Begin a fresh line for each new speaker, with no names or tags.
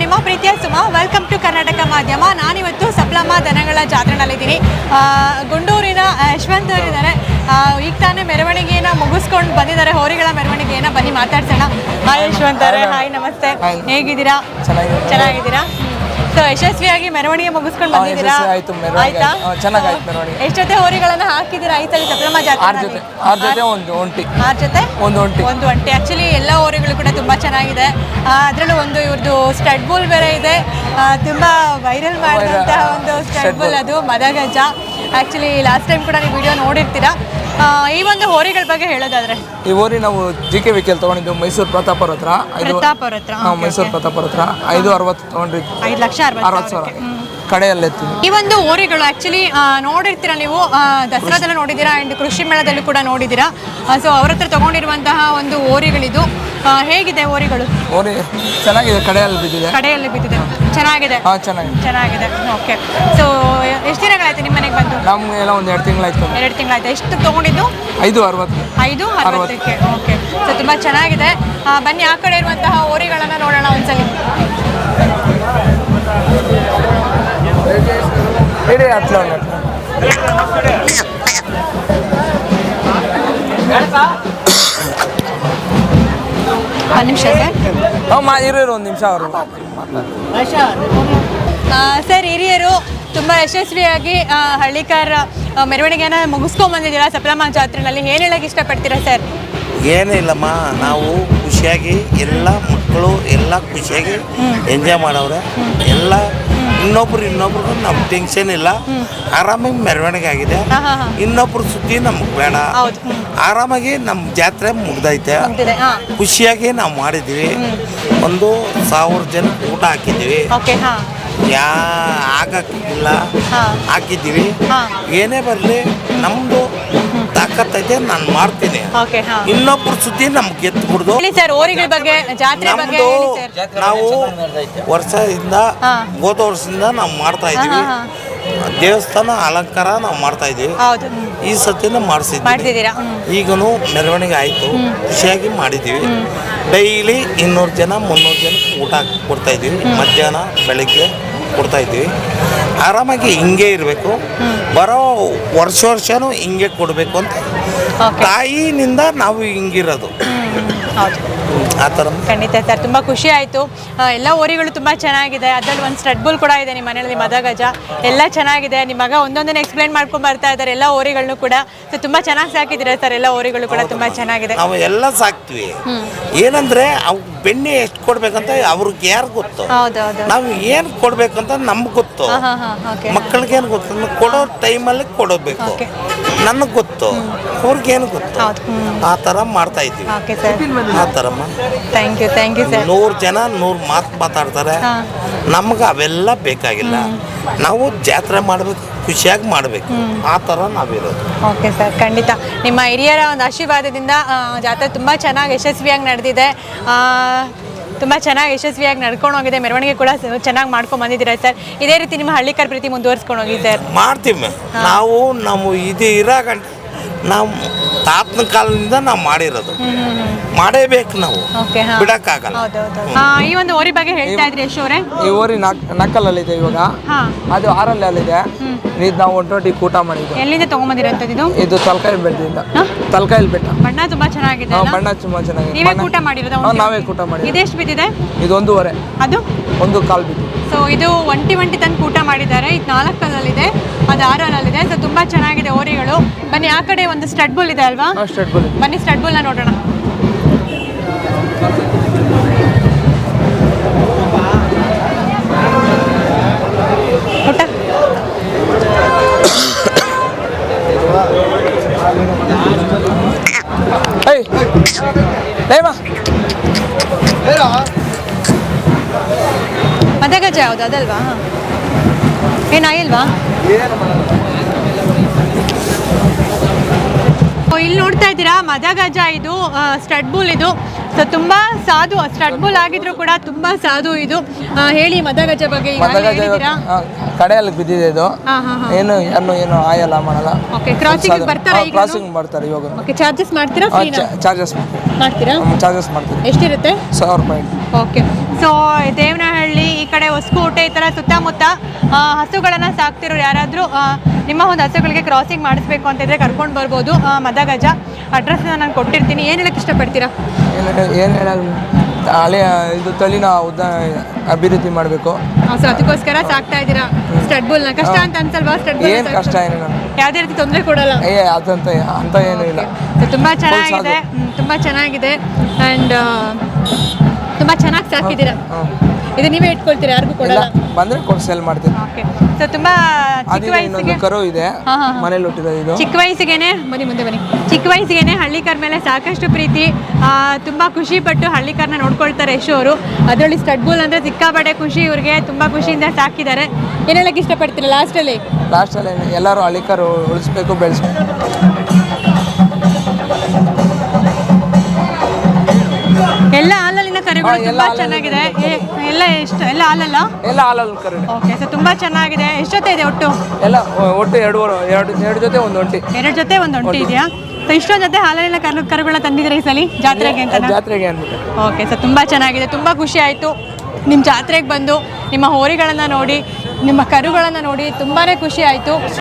ನಿಮ್ಮ ಪ್ರೀತಿಯ Suma. Welcome to Karnataka ಮಾಧ್ಯಮ. ನಾನಿವತ್ತು ಸಪ್ಲಮ್ಮ ದನಗಳ ಜಾತ್ರೆನಲ್ಲಿದ್ದೀನಿ. ಗುಂಡೂರಿನ ಯಶವಂತ್ ಅವರಿದ್ದಾರೆ. ಈಗ ತಾನೇ ಮೆರವಣಿಗೆಯನ್ನು ಮುಗಿಸ್ಕೊಂಡು ಬಂದಿದ್ದಾರೆ, ಹೋರಿಗಳ ಮೆರವಣಿಗೆಯನ್ನು. ಬನ್ನಿ ಮಾತಾಡ್ಸೋಣ. ಹಾಯ್ ಯಶವಂತ್ ಅವರೇ. ಹಾಯ್, ನಮಸ್ತೆ. ಹೇಗಿದ್ದೀರಾ? ಚೆನ್ನಾಗಿದ್ದೀರಾ? ಸೊ ಯಶಸ್ವಿಯಾಗಿ ಮೆರವಣಿಗೆ ಮುಗಿಸ್ಕೊಂಡು ಬಂದಿದ್ದೀರಾ? ಆಯ್ತಾ? ಎಷ್ಟು ಜೊತೆ ಹೋರಿಗಳನ್ನ ಹಾಕಿದ್ದೀರಾ ಈ ಸಲ ಸಪ್ಲಮ್ಮ ಜಾತ್ರೆ?
6 ಜೊತೆ ಒಂದು ಒಂಟಿ.
ಆಕ್ಚುಲಿ ಎಲ್ಲ ಹೋರಿಗಳು ಕೂಡ ತುಂಬಾ ಚೆನ್ನಾಗಿದೆ. ಅದರಲ್ಲೂ ಒಂದು ಇವ್ರದ್ದು ಸ್ಟಡ್ ಬುಲ್ ಬೇರೆ ಇದೆ, ತುಂಬಾ ವೈರಲ್ ಮಾಡಿದಂತಹ ಒಂದು ಸ್ಟಡ್ ಬುಲ್, ಅದು ಮದಗಜ. ಆಕ್ಚುಲಿ ಲಾಸ್ಟ್ ಟೈಮ್ ಕೂಡ ನೀವು ವಿಡಿಯೋ ನೋಡಿರ್ತೀರಾ. ಈ ಒಂದು ಹೋರಿಗಳ ಬಗ್ಗೆ ಹೇಳೋದಾದ್ರೆ,
ಈ ಹೋರಿ ನಾವು GK ವೆಹಿಕಲ್ ತಗೊಂಡಿದ್ದು ಮೈಸೂರು ಪ್ರತಾಪರ ಹತ್ರ. ಮೈಸೂರು ಪ್ರತಾಪರ ಹತ್ರ 560 ತಗೊಂಡಿದ್ದು, 5,60,000 ಕಡೆಯಲ್ಲೇ.
ಈ ಒಂದು ಹೋರಿಗಳು ಆಕ್ಚುಲಿ ನೋಡಿರ್ತೀರಾ ನೀವು, ದಸರಾದಲ್ಲೂ ನೋಡಿದ್ದೀರಾ ಅಂಡ್ ಕೃಷಿ ಮೇಳದಲ್ಲೂ ಕೂಡ ನೋಡಿದ್ದೀರಾ. ಸೊ ಅವ್ರ ಹತ್ರ ತಗೊಂಡಿರುವಂತಹ ಒಂದು ಹೋರಿಗಳಿದು. ಹೇಗಿದೆ ಹೋರಿಗಳು?
ಹೋರಿ ಚೆನ್ನಾಗಿದೆ, ಕಡೆಯಲ್ಲಿ ಬಿದ್ದಿದೆ.
ಚೆನ್ನಾಗಿದೆ. ಚೆನ್ನಾಗಿದೆ. ಓಕೆ. ಸೊ ಎಷ್ಟು ದಿನಗಳಾಯ್ತು ನಿಮ್ಮ ಮನೆಗೆ ಬಂದು?
ನಮಗೆಲ್ಲ ಒಂದು 2 ತಿಂಗಳಾಯ್ತು.
2 ತಿಂಗಳಾಯ್ತು. ಎಷ್ಟು ತಗೊಂಡಿದ್ದು?
560.
ಓಕೆ. ಸೊ ತುಂಬ ಚೆನ್ನಾಗಿದೆ. ಬನ್ನಿ ಆ ಕಡೆ ಇರುವಂತಹ ಹೋರಿಗಳನ್ನು ನೋಡೋಣ ಒಂದ್ಸಲಿ. ಒಂದು ನಿಮಿಷ ಸರ್.
ಒಂದು ನಿಮಿಷ ಅವರು
ಸರ್, ಹಿರಿಯರು ತುಂಬ ಯಶಸ್ವಿಯಾಗಿ ಹಳ್ಳಿಕಾರ ಮೆರವಣಿಗೆನ ಮುಗಿಸ್ಕೊಂಡ್ಬಂದಿದ್ದೀರಾ ಸಪ್ಲಮ್ಮ ಜಾತ್ರೆನಲ್ಲಿ. ಏನು ಹೇಳಕ್ಕೆ ಇಷ್ಟಪಡ್ತೀರಾ ಸರ್?
ಏನೂ ಇಲ್ಲಮ್ಮ, ನಾವು ಖುಷಿಯಾಗಿ ಎಲ್ಲ ಮಕ್ಕಳು ಎಲ್ಲ ಖುಷಿಯಾಗಿ ಎಂಜಾಯ್ ಮಾಡವ್ರೆ. ಎಲ್ಲ ಇನ್ನೊಬ್ರಿಗೂ ನಮ್ಗೆ ಟೆನ್ಷನ್ ಇಲ್ಲ, ಆರಾಮಾಗಿ ಮೆರವಣಿಗೆ ಆಗಿದೆ. ಇನ್ನೊಬ್ರು ಸುದ್ದಿ ನಮ್ಗೆ ಬೇಡ, ಆರಾಮಾಗಿ ನಮ್ಮ ಜಾತ್ರೆ ಮುಗ್ದೈತೆ. ಖುಷಿಯಾಗಿ ನಾವು ಮಾಡಿದ್ವಿ. 1,000 ಜನ ಊಟ ಹಾಕಿದ್ದೀವಿ. ಆಗಕ್ಕಿಲ್ಲ, ಹಾಕಿದ್ದೀವಿ. ಏನೇ ಬರಲಿ ನಮ್ಮದು ತಾಕತ್ತೈತೆ, ನಾನು ಮಾಡ್ತೀನಿ. ಇನ್ನೊಬ್ರು ಸುದ್ದಿ ನಮ್ಗೆ ಗೆದ್ಬಿಡ್ದು. ನಾವು ವರ್ಷದಿಂದ ಹೋದ ವರ್ಷದಿಂದ ನಾವು ಮಾಡ್ತಾ ಇದೀವಿ. ದೇವಸ್ಥಾನ ಅಲಂಕಾರ ನಾವು ಮಾಡ್ತಾ ಇದೀವಿ. ಈ ಸತಿನ ಮಾಡಿಸಿದ್ದೀವಿ. ಈಗನು ಮೆರವಣಿಗೆ ಆಯಿತು, ಖುಷಿಯಾಗಿ ಮಾಡಿದ್ದೀವಿ. ಡೈಲಿ 200 ಜನ 300 ಜನ ಊಟ ಕೊಡ್ತಾ ಇದ್ದೀವಿ. ಮಧ್ಯಾಹ್ನ ಬೆಳಗ್ಗೆ ಕೊಡ್ತಾ ಇದ್ದೀವಿ. ಆರಾಮಾಗಿ ಹಿಂಗೆ ಇರಬೇಕು, ಬರೋ ವರ್ಷನೂ ಹಿಂಗೆ ಕೊಡಬೇಕು ಅಂತ ತಾಯಿನಿಂದ ನಾವು ಹಿಂಗಿರೋದು. ಆ ಥರ.
ಖಂಡಿತ ಸರ್, ತುಂಬ ಖುಷಿ ಆಯಿತು. ಎಲ್ಲ ಹೋರಿಗಳು ತುಂಬ ಚೆನ್ನಾಗಿದೆ. ಅದರಲ್ಲಿ ಒಂದು ಸ್ಟಡ್ ಬುಲ್ ಕೂಡ ಇದೆ ನಿಮ್ಮ ಮನೆಯಲ್ಲಿ, ಮದಗಜ. ಎಲ್ಲ ಚೆನ್ನಾಗಿದೆ. ನಿಮ್ಮ ಮಗ ಒಂದೊಂದನ್ನು ಎಕ್ಸ್ಪ್ಲೈನ್ ಮಾಡ್ಕೊಂಡು ಬರ್ತಾ ಇದ್ದಾರೆ ಎಲ್ಲ ಹೋರಿಗಳನ್ನು ಕೂಡ. ಸೊ ತುಂಬ ಚೆನ್ನಾಗಿ ಸಾಕಿದ್ದೀರಾ ಸರ್, ಎಲ್ಲ ಹೋರಿಗಳು ಕೂಡ ತುಂಬ ಚೆನ್ನಾಗಿದೆ.
ನಾವು ಎಲ್ಲ ಸಾಕ್ತೀವಿ. ಏನಂದ್ರೆ ಅವು ಬೆಣ್ಣೆ ಎಷ್ಟು ಕೊಡ್ಬೇಕಂತ ಅವ್ರಿಗೆ ಯಾರು ಗೊತ್ತು, ನಾವು ಏನು ಕೊಡ್ಬೇಕಂತ ನಮ್ಗೆ ಗೊತ್ತು. ಮಕ್ಕಳಿಗೇನು ಗೊತ್ತು, ಕೊಡೋ ಟೈಮಲ್ಲಿ ಕೊಡಬೇಕು. ನನಗೆ ಗೊತ್ತು, ಅವ್ರಿಗೇನು ಗೊತ್ತು. ಆ ಥರ ಮಾಡ್ತಾ ಇದ್ದೀವಿ. ಆ ಥರಮ್ಮ.
Thank you sir.
100 ಜನ 100 ಮಾತು ಮಾತಾಡ್ತಾರೆ. ನಮ್ಗೆ ಅವೆಲ್ಲ ಬೇಕಾಗಿಲ್ಲ. ನಾವು ಜಾತ್ರೆ ಮಾಡಬೇಕು, ಖುಷಿಯಾಗಿ ಮಾಡಬೇಕು. ಆ ಥರ ನಾವಿರೋದು.
ಓಕೆ ಸರ್, ಖಂಡಿತ ನಿಮ್ಮ ಹಿರಿಯರ ಒಂದು ಆಶೀರ್ವಾದದಿಂದ ಜಾತ್ರೆ ತುಂಬ ಚೆನ್ನಾಗಿ ಯಶಸ್ವಿಯಾಗಿ ನಡೆದಿದೆ. ತುಂಬ ಚೆನ್ನಾಗಿ ಯಶಸ್ವಿಯಾಗಿ ನಡ್ಕೊಂಡು ಹೋಗಿದೆ. ಮೆರವಣಿಗೆ ಕೂಡ ಚೆನ್ನಾಗಿ ಮಾಡ್ಕೊಂಡು ಬಂದಿದ್ದೀರಾ ಸರ್. ಇದೇ ರೀತಿ ನಿಮ್ಮ ಹಳ್ಳಿಕಾರ ಪ್ರೀತಿ ಮುಂದುವರಿಸ್ಕೊಂಡು ಹೋಗಿ ಸರ್.
ಮಾಡ್ತೀವಿ ನಾವು. ಇದು ಇರೋ ಗಂಟೆ ನಾವು ತಾತನ ಕಾಲದಿಂದ ನಾವು ಮಾಡಿರೋದು, ಮಾಡೇಬೇಕು ನಾವು, ಬಿಡಕ್ಕಾಗಲ್ಲ.
ಈ ಒಂದು ಹೋರಿ ಬಗ್ಗೆ ಹೇಳ್ತಾ ಇದ್ರಿ ಯಶ್ ಅವರೇ.
ಈ ಹೋರಿ ನಕ್ಕಲಲ್ಲಿದೆ ಇವಾಗ, ಅದು 6ರಲ್ಲಿದೆ. ಇದು ನಾವು 120 ಊಟ ಮಾಡಿದ್ದು.
ಎಲ್ಲಿಂದ ತಗೊಂಬಂದಿರೋಂಥದ್ದು?
ಇದು ತಲಕಾಯಿ ಬೆಟ್ಟ.
ಬಣ್ಣ ತುಂಬಾ ಚೆನ್ನಾಗಿದೆ.
ಬಣ್ಣ ತುಂಬಾ ಚೆನ್ನಾಗಿದೆ.
ನೀವೇ ಊಟ ಮಾಡಿರೋದು?
ನಾವೇ ಊಟ ಮಾಡಿದ್ವಿ.
ಇದೆಷ್ಟು ಬಿದ್ದಿದೆ?
ಇದು 1.5.
ಅದು
1.25 ಬಿದ್ದು.
ಸೊ ಇದು ಒಂಟಿ ತನಕ ಊಟ ಮಾಡಿದ್ದಾರೆ. ಇದು 4 ಅದು 6 ಸೊ ತುಂಬಾ ಚೆನ್ನಾಗಿದೆ ಹೋರಿಗಳು. ಬನ್ನಿ ಆ ಕಡೆ ಒಂದು ಸ್ಟಡ್ ಬುಲ್ ಇದೆ ಅಲ್ವಾ? ಬನ್ನಿ ಸ್ಟಡ್ ಬುಲ್ನ ನೋಡೋಣ. ಊಟ ಮದಗಜ ಯಾವುದು? ಅದಲ್ವಾ? ಏನಾಗಿಲ್ವಾ? ಇಲ್ಲಿ ನೋಡ್ತಾ ಇದ್ದೀರಾ, ಮದಗಜ ಇದು ಸ್ಟಡ್ ಬುಲ್. ಇದು ಸೊ ತುಂಬ ಸಾಧು. ಸ್ಟಡ್ ಬುಲ್ ಆಗಿದ್ರು ಕೂಡ ತುಂಬ ಸಾಧು ಇದು. ಹೇಳಿ ಮದಗಜ ಬಗ್ಗೆ.
ಕಡೆಯಲ್ಲಿ ಬಿದ್ದಿದೆ ಇದು. ಏನು ಆಯಲ್ಲ, ಮಾಡಲ್ಲ.
ಕ್ರಾಸಿಂಗ್
ಬರ್ತಾರೆ ಇವಾಗ.
ಚಾರ್ಜಸ್ ಮಾಡ್ತೀರಾ?
ಚಾರ್ಜಸ್ ಮಾಡ್ತೀರಾ?
ಎಷ್ಟಿರುತ್ತೆ?
1,000 ರೂಪಾಯಿ.
ಓಕೆ. ಸೊ ದೇವನಹಳ್ಳಿ ಈ ಕಡೆ ಹೊಸಕೋಟೆ ಈ ಥರ ಸುತ್ತಮುತ್ತ ಹಸುಗಳನ್ನು ಸಾಕ್ತಿರೋ ಯಾರಾದರೂ ನಿಮ್ಮ ಒಂದು ಹಸುಗಳಿಗೆ ಕ್ರಾಸಿಂಗ್ ಮಾಡಿಸ್ಬೇಕು ಅಂತಿದ್ರೆ ಕರ್ಕೊಂಡು ಬರ್ಬೋದು. ಮದಗಜ ಅಡ್ರೆಸ್ನ ನಾನು ಕೊಟ್ಟಿರ್ತೀನಿ. ಏನು ಹೇಳಕ್ಕೆ ಇಷ್ಟಪಡ್ತೀರಾ?
ಏನು ಹೇಳೋದು, ಹಳೆ ಇದು ತಳಿನ ಅಭಿವೃದ್ಧಿ ಮಾಡಬೇಕು.
ಸೊ ಅದಕ್ಕೋಸ್ಕರ ಸಾಕ್ತಾ ಇದ್ದೀರಾ ಸ್ಟಡ್ ಬುಲ್ನ. ಕಷ್ಟ ಅಂತ ಅನ್ಸಲ್ವಾ ಸ್ಟಡ್ ಬುಲ್?
ಏನು ಕಷ್ಟ ಏನಿಲ್ಲ,
ಯಾವುದೇ ರೀತಿ ತೊಂದರೆ ಕೊಡಲ್ಲ.
ಅದಂತ ಅಂತ ಏನೂ ಇಲ್ಲ.
ತುಂಬ ಚೆನ್ನಾಗಿದೆ, ತುಂಬ ಚೆನ್ನಾಗಿದೆ ಆ್ಯಂಡ್ ತುಂಬ ಚೆನ್ನಾಗಿ ಸಾಕಿದ್ದೀರಾ. ಇದು ನೀವೇ ಇಟ್ಕೊಳ್ತೀರಾ, ಯಾರಿಗೂ ಕೊಡಲ್ಲ?
ಬಂದರೆ ಕೊಟ್ಟು ಸೇಲ್ ಮಾಡ್ತೀನಿ.
ಓಕೆ. ಸೊ ತುಂಬ ಚಿಕ್ಕ ವಯಸ್ಸಿಗೆ
ಕರು ಇದೆ ಮನೇಲಿ ಹುಟ್ಟಿರೋದು ಇದು.
ಚಿಕ್ಕ ವಯಸ್ಸಿಗೆ ಬನ್ನಿ ಚಿಕ್ಕ ವಯಸ್ಸಿಗೆ ಹಳ್ಳಿಕರ್ ಮೇಲೆ ಸಾಕಷ್ಟು ಪ್ರೀತಿ, ತುಂಬ ಖುಷಿಪಟ್ಟು ಹಳ್ಳಿಕರ್ನ ನೋಡ್ಕೊಳ್ತಾರೆ ಯಶು ಅವರು. ಅದರಲ್ಲಿ ಸ್ಟಡ್ ಬುಲ್ ಅಂದರೆ ಸಿಕ್ಕಾಪಟ್ಟೆ ಖುಷಿ ಇವ್ರಿಗೆ, ತುಂಬ ಖುಷಿಯಿಂದ ಸಾಕಿದ್ದಾರೆ. ಏನು ಹೇಳಕ್ಕೆ ಇಷ್ಟಪಡ್ತೀರಾ ಲಾಸ್ಟಲ್ಲಿ
ಎಲ್ಲರೂ ಹಳ್ಳಿಕರು ಉಳಿಸ್ಬೇಕು, ಬೆಳೆಸ್ಬೇಕು.
ಎಲ್ಲ ಹಾಲಲ್ಲಿನ ಕರುಗಳು ತುಂಬಾ ಚೆನ್ನಾಗಿದೆ. ಎಲ್ಲ ಹಾಲಲ್ಲ?
ಎಲ್ಲ ಹಾಲಲ್ಲಿ ಕರು.
ಓಕೆ. ಸೊ ತುಂಬಾ ಚೆನ್ನಾಗಿದೆ. ಎಷ್ಟು ಜೊತೆ ಇದೆ ಒಟ್ಟು?
ಒಟ್ಟು ಎರಡು ಜೊತೆ ಒಂದು ಒಂಟಿ.
2 ಜೊತೆ ಒಂದು ಒಂಟಿ ಇದೆಯಾ? ಸೊ ಇಷ್ಟೊಂದು ಜೊತೆ ಹಾಲಲ್ಲಿನ ಕರುಗಳನ್ನ ತಂದಿದ್ರೆ ಈ ಸಲ ಜಾತ್ರೆಗೆ ಅಂತ?
ಜಾತ್ರೆಗೆ ಅಂದ್ಬಿಟ್ಟು.
ಓಕೆ. ಸೊ ತುಂಬ ಚೆನ್ನಾಗಿದೆ, ತುಂಬ ಖುಷಿ ಆಯಿತು ನಿಮ್ಮ ಜಾತ್ರೆಗೆ ಬಂದು ನಿಮ್ಮ ಹೋರಿಗಳನ್ನು ನೋಡಿ, ನಿಮ್ಮ ಕರುಗಳನ್ನು ನೋಡಿ ತುಂಬಾ ಖುಷಿ ಆಯಿತು.